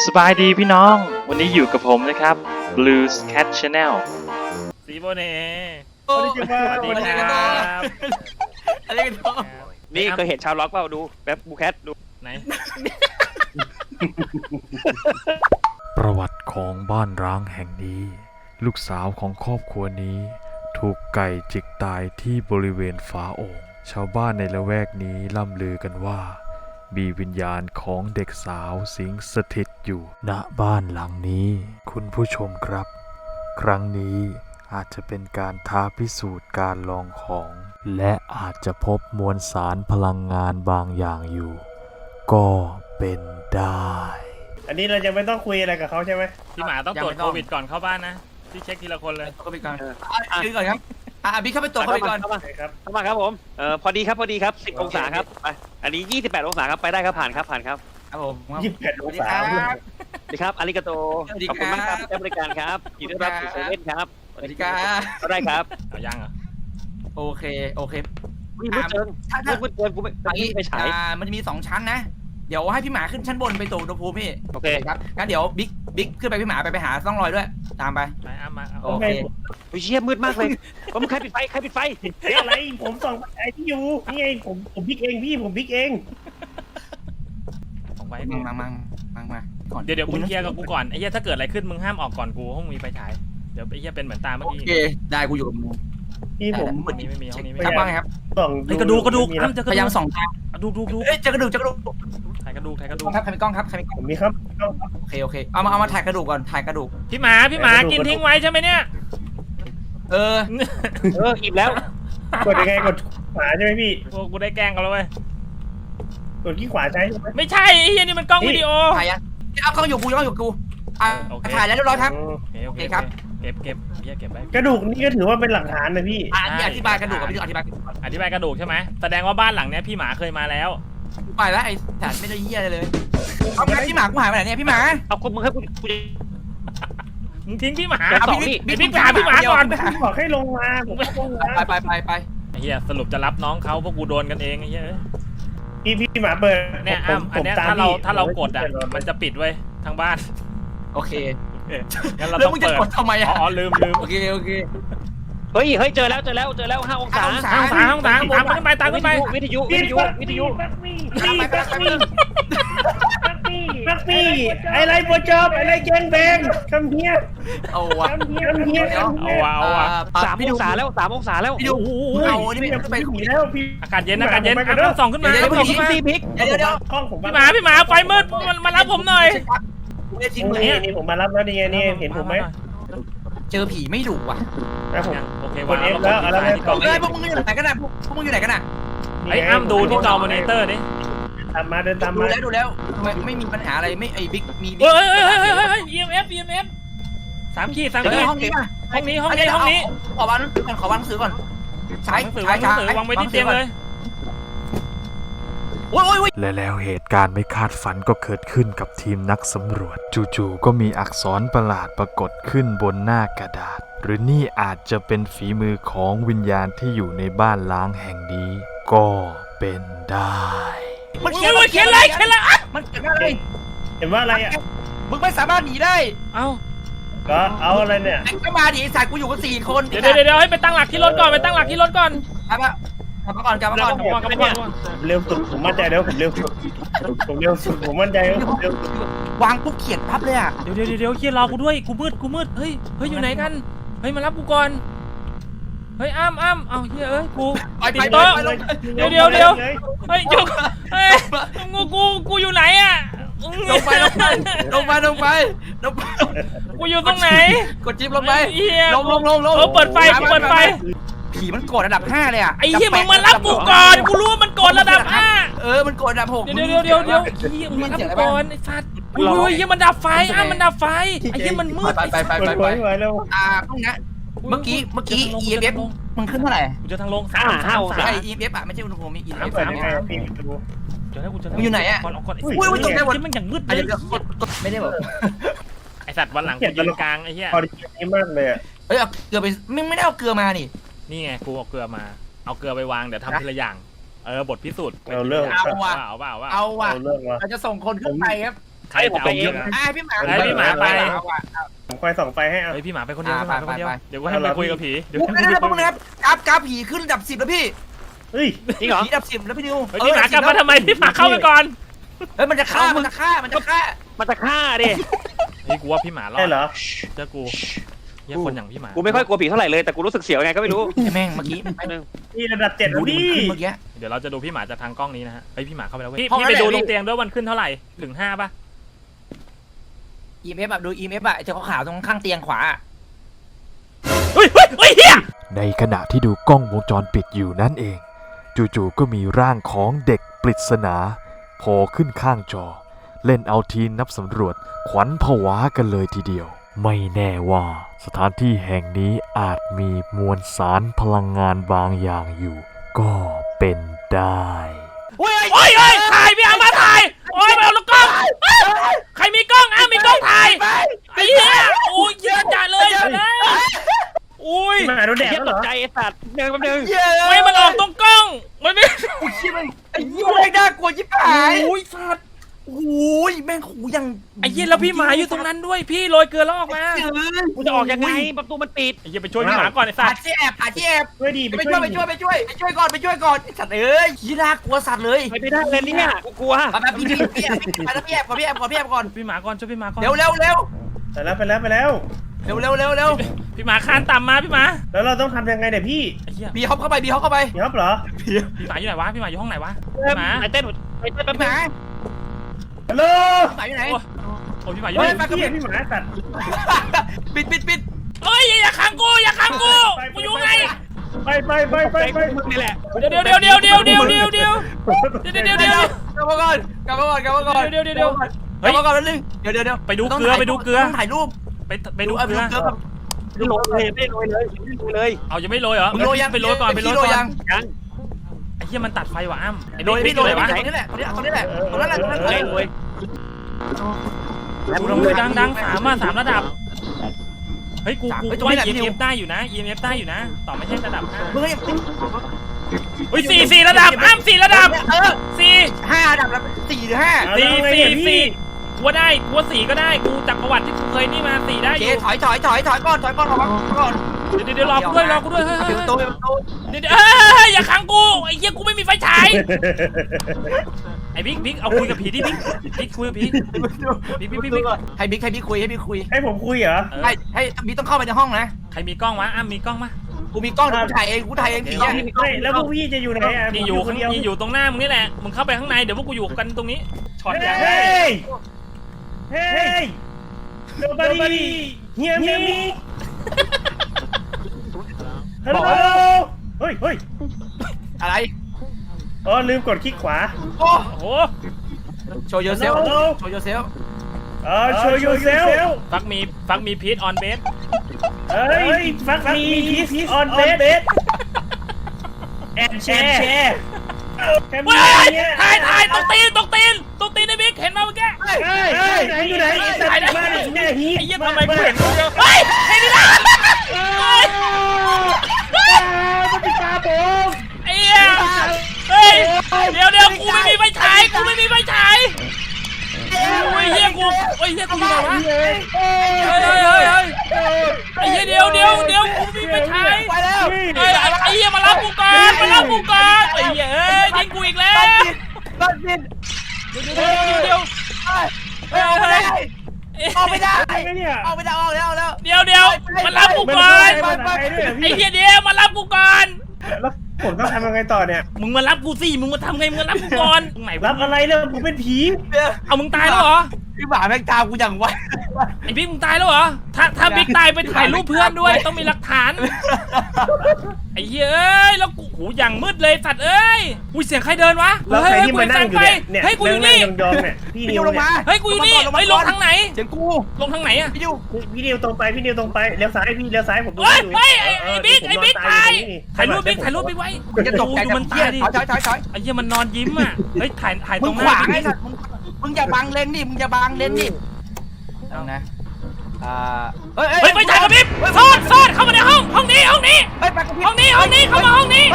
สบายดีพี่น้องวันนี้อยู่กับผมนะครับ Blues Cat Channel สีโบเน่สวัสดีสวัสดีครับอะไรกันต่อนี่เคยเห็นชาวล็อกเปล่าดูแบบบูแคทดูไหนประวัติของบ้านร้างแห่งนี้ ลูกสาวของครอบครัวนี้ ถูกไก่จิกตายที่บริเวณฝาโอ่งชาวบ้านในละแวกนี้ล่ำลือกันว่า มีวิญญาณของเด็กสาวสิงสถิตอยู่ณบ้านหลังนี้ คุณผู้ชมครับ ครั้งนี้อาจจะเป็นการท้าพิสูจน์การลองของ และอาจจะพบมวลสารพลังงานบางอย่างอยู่ ก็เป็นได้อันนี้เราจะไม่ต้องคุยอะไรกับเขาใช่ไหมพี่หมาต้องตรวจโควิดก่อนเข้าบ้านนะพี่เช็คทีละคนเลยเข้าไปก่อนดูก่อนครับบิ๊กเข้าไปตรวจเข้าไปก่อนเข้ามาใช่ครับเข้ามาครับผมพอดีครับ10 องศาครับไปอันนี้28 องศาครับไปได้ครับผ่านครับครับผมส 28 องวัสดีศาครับอาริกาโตสวัสดีขอบคคุณรัมากครับที่ให้บริการครับยินดีต้อนรับสู่เซเว่นครับสวัสดีครับก็ได้ครับเอายังเหรอโอเควิ่งมืดเกินมืดเกินกูไม่ไปฉายมันจะมี2ชั้นนะเดี๋ยวให้พี่หมาขึ้นชั้นบนไปตรวจอุณหภูมิพี่โอเคครับงั้นเดี๋ยวบิ๊กขึ้นไปพี่หมาไปหาซ่องรอยด้วยตามไปไปอ้ำมาเอาโอเคโอ้ยเชี่ยมืดมากเลยผมใครปิดไฟอะไรผมส่องไอ้ที่อยู่นี่ไงผมพิกเองพี่ผมพิกเองของไว้มาก่อนเดี๋ยวมึงเคลียร์กับกูก่อนไอ้เหี้ยถ้าเกิดอะไรขึ้นมึงห้ามออกก่อนกูห้องมีไฟฉายเดี๋ยวไอ้เหี้ยเป็นเหมือนตาเมื่อโอกี้เคได้กูอยู่กับมึงพี่ผมห้องนี้ไม่มีห้องนี้ไม่ครับมีว่าไงครับส่องไอ้กระดูกอ้ำเจอกพระยายามดูกส่องทางดูเอ้ยเจอกระดูกถ่ายกระดูกครับใครมีกล้องครับใครมีกล้องผมมีครับโอเคเอามาถ่ายกระดูกก่อนถ่ายกระดูกพี่หมากินทิ้งไว้ใช่ไหมเนี่ยอิ่มแล้วกดยังไงกดขวาใช่ไหมพี่โอ้กูได้แกล้งกันแล้วเว้ยกดที่ขวาใช่ไหมไม่ใช่ไอ้เหี้ยนี่มันกล้องวิดีโอถ่ายยังเอากล้องอยู่กูถ่ายแล้วเรียบร้อยครับโอเคครับเก็บเหี้ยเก็บไว้กระดูกนี่ก็ถือว่าเป็นหลักฐานนะพี่นี่อธิบายกระดูกกับพี่อธิบายอธิบายกระดูกใช่ไหมแสดงว่าบ้านหลังเนี้ยพี่หมาเคยมาแล้วไปแล้วไอ้สัตว์ไม่ได้เหี้ยเลยเอาไปพี่หมากูหายไปไหนเนี่ยพี่หมาเอาคุณมึงให้กูมึงทิ้งพี่หมาบิ๊กไปหาพี่หมาก่อนพี่บอกให้ลงมาผมก็ลงมาไปไอ้เหี้ยสรุปจะรับน้องเขาพวกกูโดนกันเองไอ้เหี้ยพี่หมาเปิดเนี่ยอ้ำอันเนี้ยถ้าเรากดอ่ะมันจะปิดไว้ทั้งบ้านโอเคงั้นเราแล้วต้องมึงจะเปิดกดทำไมอ่ะอ๋อลืมโอเคเฮ้ยเจอแล้ว5 องศา 5 องศาห้องตามขึ้นไปวิทยุปักพี่อะไรโปรจอบอะไรแกงแบงคำเฮียเอาวะคำเฮียเอาว่ะ 3 องศาแล้ว3 องศาแล้วพี่ดูเอานี่ไม่ไปผีแล้วพี่อากาศเย็นอ้ำส่องขึ้นมาเดี๋ยวส่องขึ้นมาพี่บิ๊กเดี๋ยวกล้องผมพี่หมาไฟมืดมารับผมหน่อยไม่ได้ทิ้งเลยนี่ผมมารับแล้วนี่ไงนี่เห็นผมไหมเจอผีไม่ดุว่ะนะผมโอเควางแล้วกดพวกมึงอยู่ไหนกันน่ะพวกมึงอยู่ไหนกันน่ะไอ้อ้ำดูที่จอมอนิเตอร์ดิตามมาเดินตามดูมาแล้วไม่มีปัญหาอะไรไม่ไอ้บิ๊กมีเฮ้ย EMF 3 ขีดห้องนี้ป่ะห้องนี้ขอวางหนังสือก่อนขอวางหนังสือก่อนวางไว้ที่เตียงเลยโอ้ยและแล้วเหตุการณ์ไม่คาดฝันก็เกิดขึ้นกับทีมนักสำรวจ จู่ๆก็มีอักษรประหลาดปรากฏขึ้นบนหน้ากระดาษ หรือนี่อาจจะเป็นฝีมือของวิญญาณที่อยู่ในบ้านล้างแห่งนี้ ก็เป็นได้มันเขียนเขียนเลยมันเขียนอะไรเห็นว่าอะไรอ่ะมึงไม่สามารถหนีได้เอ้าก็เอาอะไรเนี่ยไอ้ก็มาดิไอ้สายกูอยู่กัน4 คนเดี๋ยวให้ไปตั้งหลักที่รถก่อนกลับมาก่อนกลับมาก่อนเร็วสุดผมมั่นใจแล้วผมเร็วสุดผมมั่นใจแล้วผมเร็วสุดวางปุ๊บเขียนปั๊บเลยอ่ะเดี๋ยวเฮียรอกูด้วยกูมืดเฮ้ยอยู่ไหนกันเฮ้ยมารับกูก่อนเฮ้ยอ้ำเอาเฮียกูไปเดี๋ยวเฮ้ยจุกเฮ้ยกูอยู่ไหนอ่ะลงไปกูอยู่ตรงไหนกดจิ๊บลงไปเฮียลงเปิดไฟผีมันกดระดับ5เลยอ่ะไอ้เฮียมึงมารับกูก่อนกูรู้ว่ามันกดระดับมันกดระดับ6 เดี๋ยวเฮียมึงรับก่อนไอ้สัตว์อุ้ยเฮียมันดับไฟมันดับไฟไอ้เฮียมันมืดไปไปแล้วพวกนี้เมื่อกี้ EMF มันขึ้นเท่าไหร่กูจะทางลง 5 องศาไอ้ EMF อ่ะไม่ใช่อุณหภูมิมี EMF เปิดยังไงพี่ดูมึงอยู่ไหนอ่ะมันอย่างมืดเลยไม่ได้แบบไอสัตว์วันหลังกูยืนกลางไอ้เหี้ยพอดีมากเลยอ่ะเฮ้ยเอาเกลือไปไม่ได้เอาเกลือมานี่นี่ไงกูเอาเกลือมาเอาเกลือไปวางเดี๋ยวทำทีละอย่างบทพิสูจน์เอาเรื่องเอาว่ะเอาเอาว่ะเอาเรื่องวะเราจะส่งคนขึ้นไปครับใครจะเอาเยอะพี่หมาไอ้พี่หมาไปผมคอยส่องไฟให้เอาเฮ้ยพี่หมาไปคนเดียวอ่าพี่หมาไปคนเดียวไปเดี๋ยวกูให้ไปคุยกับผี เดี๋ยวปุ๊บนะครับปุ๊บนะครับกราฟผีขึ้นระดับ 10แล้วพี่เฮ้ยจริงเหรอผีระดับ 10แล้วพี่นิวเฮ้ยพี่หมากลับมาทำไมพี่หมาเข้าไปก่อนเฮ้ยมันจะฆ่ามันจะฆ่ามันจะฆ่าดินี่กูว่าพี่หมารอใช่ดเหรอเจอกูเหี้ยคนอย่างพี่หมากูไม่ค่อยกลัวผีเท่าไหร่เลยแต่กูรู้สึกเสียวไงก็ไม่รู้แม่งเมื่อกี้นี่ระดับ7 ดูแล้วดิพี่เมื่อกี้เดี๋ยวเราจะดูพี่หมาจากทางกล้องนี้นะฮะเฮ้ยพี่หมาเข้าไปแล้วเว้ยห้องพี่นั้นไปดูแหละตรงเตียงด้วยวันขึ้นเท่าไหร่ถึง5ป่ะ EMF แบบดู EMF อะจะขาวๆตรงข้างเตียงขวาเฮ้ยเฮียในขณะที่ดูกล้องวงจรปิดอยู่นั่นเอง จู่ๆก็มีร่างของเด็กปริศนาโผล่ขึ้นข้างจอ เล่นเอาทีมนับสำรวจขวัญผวากันเลยทีเดียว ไม่แน่ว่าสถานที่แห่งนี้อาจมีมวลสารพลังงานบางอย่างอยู่ ก็เป็นได้โอ้ยถ่ายพี่อามาถ่ายโอ้ยมาเอาลูกกล้องใครมีกล้องมีกล้องถ่ายไอ้เหี้ยโอ้ยเยอะจัดเลยอุ้ยพี่หมาโดนแดดเทียบแล้วตเหรกอใจไอ้สัตว์เดินแป๊บนึงไม่มันออกตรงกล้องมันไม่โอ้ยไอ้ยี่แม่งน่ากลัวยิบหายโอ้ยสัตว์โอ้ยแม่งหูยังไอ้เหี้ยแล้วพี่หมาอยู่ตรงนั้นด้วยพี่โรยเกลือแล้วออกมากูจะออกยังไงประตูมันปิดไอ้เหี้ยไปช่วยพี่หมาก่อนไอ้สัหาตว์ที่แอบหาที่แอบช่วยดีไปช่วยก่อนสัตว์เอ้ยยี่น่ากลัวสัตว์เลยไปไม่ได้เลยเนี่ยกูกลัวแบบพี่แอบก่อนพี่หมาก่อนช่วยพี่หมาก่อนเร็วไปแล้วพี่หมาคานต่ำมาพี่หมาแล้วเราต้องทำยังไงเนี่ยพี่ไอ้เหี้ยบีฮอปเข้าไปพี่ครับเหรอพี่หมาอยู่ไหนวะพี่หมาอยู่ห้องไหนวะพี่หมาไอ้เต้นไอ้เต้นแป๊บพี่หนึงมาฮัลโหลหมาอยู่ไหนโอ้พี่หมาอยู่เฮ้ไหยนพี่หมาสัตว์ปิดเฮ้ยอย่าขังกูกูอยู่ไงไปมึงนี่แหละเดี๋ยวกลับมาก่อนกลับมาก่อนแล้วนึงเดี๋ยวไปดูเกลือต้องถ่ายรูปไปดูเกลือไม่โรยเลยไม่โรยเลยเอายังไม่โรยเหรอมึงโรยยังไปโรยก่อนพี่โรยยังยังไอ้เหี้ยมันตัดไฟว่ะอ้ำไอ้โรยบิ๊กพี่โรยไหนวะตรงนี้แหละตรงนั้นแหละโรยดัง3ระดับเฮ้ยกูว่า EMF ได้อยู่นะ EMF ได้อยู่นะต่อไม่ใช่ระดับ5 มึงให้เฮ้ย4ระดับอ้ำ4ระดับ 4 5ระดับแล้ว4หรือ5 4กูได้กู4ก็ได้กูจากประวัติที่กูเคยนี่มา4ได้โออเคยู่ถอยก่อนก่อนเดี๋ยวรอกูด้วยเฮ้ยปิดประตูเดี๋ยวอย่าขังกูไอ้เหี้ยกูไม่มีไฟฉายไอ้บิ๊กเอาคุยกับผีดิบิ๊กคุยกับผีบิ๊กให้บิ๊กคุยให้ผมคุยเหรอให้บิ๊กต้องเข้าไปในห้องนะใครมีกล้องวะอ้ำมีกล้องมะกูมีกล้องกูถ่ายเองผีอ่ะไม่แล้วพวกพี่จะอยู่ไหนอ่ะพี่อยู่พี่อยู่ตรงหน้ามึงนี่แหละมึงเข้าไปข้างในเดี๋ยวพวกกูอยู่กันตรงนี้ช็อตใหญ่เฮ้ย nobody hear me ฮัลโหลเฮ้ยอะไรอ๋อลืมกดคลิกขวาโอ้โอ้โหโชว์ yourself show yourself ฟักมีพีทออนเบสเฮ้ยฟักมี piece on bed and share เฮ้ยถ่ายตรงตีนไอ้บิ๊กเห็นมาเมื่อกี้เฮ้ยไหนอยู่ไหนไอ้บ้านแม่ฮีไอ้เหี้ยทำไมกูเห็นกูเฮ้ยเห็นดิล่ะมันติดตาผมไอ้เหี้ยเฮ้ยเดี๋ยวกูไม่มีไฟฉายโอ้ยเหี้ยกูอยู่ไหนวะเฮ้ยไอ้เหี้ยเดี๋ยวกูมีไฟฉายไปแล้วเฮ้ยไอ้เหี้ยมารับกูก่อนไอ้เหี้ยยิงกูอีกแล้วรถบินเดี๋ยวออกไม่ได้ออกแล้วเดี๋ยวมารับกูก่อนไอ้เหี้ยเดี๋ยวมารับกูก่อนแล้วผมต้องทำยังไงต่อเนี่ยมึงมารับกูสิมึงมาทำไงมึงมารับกูก่อนตรงไหนรับอะไรเนี่ยผมเป็นผีเอามึงตายแล้วเหรอพี่หมาแม่งตามกูอย่างไวไอ้บิ๊กมึงตายแล้วเหรอถ้าบิ๊กตายไปถ่ายรูปเพื่อนด้วยต้องมีหลักฐานไอ้เหี้ยเอ้ยแล้วกูหูอย่างมืดเลยสัตว์เอ้ยอุ้ยเสียงใครเดินวะแล้วใครที่มานั่งอยู่เนี่ยเฮ้ยกูอยู่นี่ยองๆเนี่ยพี่พี่นินิววลงเนี่ยมาเฮ้ยกูอยู่นี่เฮ้ยลงทางไหนเสียงกูลงทางไหนอะพี่นิวพี่นิวตรงไปเลี้ยวซ้ายพี่เลี้ยวซ้ายผมดูเฮ้ยอยู่เฮ้ยไอ้บิ๊กถ่ายรูปบิ๊กไว้มันจะตกใจดูมันตายดิถอยไอ้เหี้ยมันนอนยิ้มอ่ะเฮ้ยถ่ายตมึรง งหขน้าวางไอ้บิ๊กสัตว์มึงอย่าบังเลนดิมึงอย่าบังเลนดิเอานะเฮ้ยไปถ่ายกับบิ๊กซ่อนเข้ามาในห้องนี้เฮ้ยไปกับพี่เข้ามาห้องนี้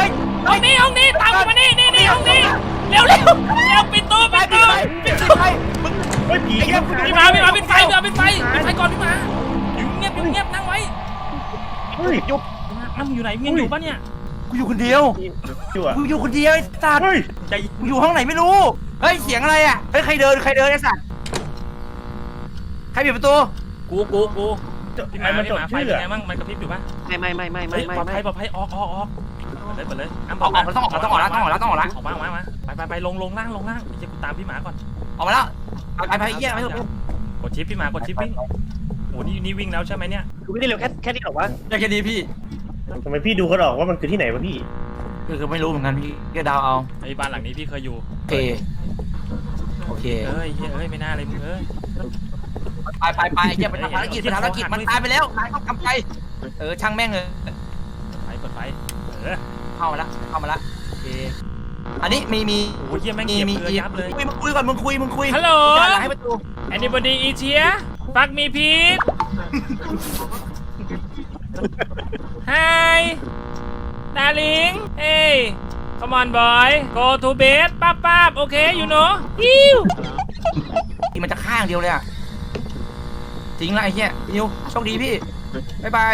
ตามกูมานี่ห้องนี้เร็วปิดตู้ไปมึงเฮ้ยผีพี่หมาปิดไฟก่อนพี่หมาอยู่เงียบนั่งไว้เฮ้ยยุบอ้ำอยู่ไหนมึงยังอยู่ปะเนี่ยกูอยู่คนเดียวอยู่อ่ะกูอยู่คนเดียวไอ้สัตว์เฮ้ยกูอยู่ห้องไหนไม่รู้ เฮ้ยเสียงอะไรอ่ะ เฮ้ยใครเดินไอ้สัตว์ ใครปิดประตูกูพี่หมาไฟเป็นไงบ้างมันกระพริบอยู่ปะไม่ปลอดภัยออกเปิดเลยอ้ำออกแล้วต้องออกแล้วออกมาไปลงล่างเดี๋ยวกูตามพี่หมาก่อนออกมาแล้วไปเยี่ยไม่ถูกกดชิปพี่หมากดชิปวิ่งโอ้นี่วิ่งแล้วใช่ไหมเนี่ยคือไม่ได้เร็วแค่นี้หรอวะแค่นี้พี่ทำไมพี่ดูเขาออกว่ามันคือที่ไหนวะพี่คือไม่รู้เหมือนกันพี่ก็เดาเอาไอ้บ้านหลังนี้พี่เคยอยู่โอเคเอ้ยไม่น่าเลยมึงเอ้ยไปเยี่ยไปทำภารกิจมันตายไปแล้วนายต้องทำไปช่างแม่งเลยกดไฟเข้ามาละโอเคอันนี้มีโอ้ยเยี่ยแม่งเหยียบเรือยับเลยมึงคุยก่อนมึงคุยฮัลโหลให้ประตู anybody is here fuck me please hi darling hey come on boy go to bed ป๊าบโอเค you know ฮิวมันจะข้างเดียวเลยอ่ะจริงละไอ้เหี้ยนิวโชคดีพี่บ๊ายบาย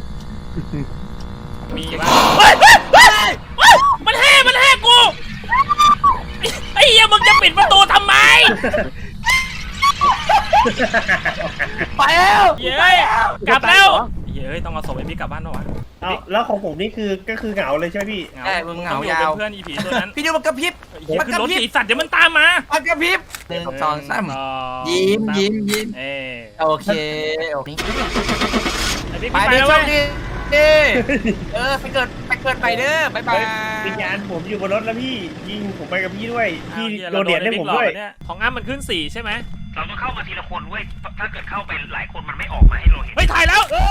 มีบ้างมันแห่กูไอ้เหี้ยมึงจะปิดประตูทำไมไปแล้วเย้ยกลับแล้วเย้ยต้องเอาศพไอ้พี่กลับบ้านปะวะเอาแล้วของผมนี่คือเหงาเลยใช่ไหมพี่มึงเหงาต้องอยู่ยาวเป็นเพื่อนอีผีตัวนั้นพี่นิวมันกระพริบมันขึ้นรถสีสัตว์เดี๋ยวมันตามมามันกระพริบ1 2 3ยิ้มเอ้ยโอเคไอ้พี่ไปไปเด้แล้วโชเว้คยดีไปเกิดไปเด้อบ๊ายบายวิญญาณผมอยู่บนรถแล้วพี่ยิงผมไปกับพี่ด้วยพี่อาโดนเหรียญให้ผมด้วยเนี่ยของอ้ำมันขึ้น4ใช่ไหมเราต้องเข้ามาทีละคนเว้ยถ้าเกิดเข้าไปหลายคนมันไม่ออกมาให้เราเห็นเฮ้ยถ่ายแล้ว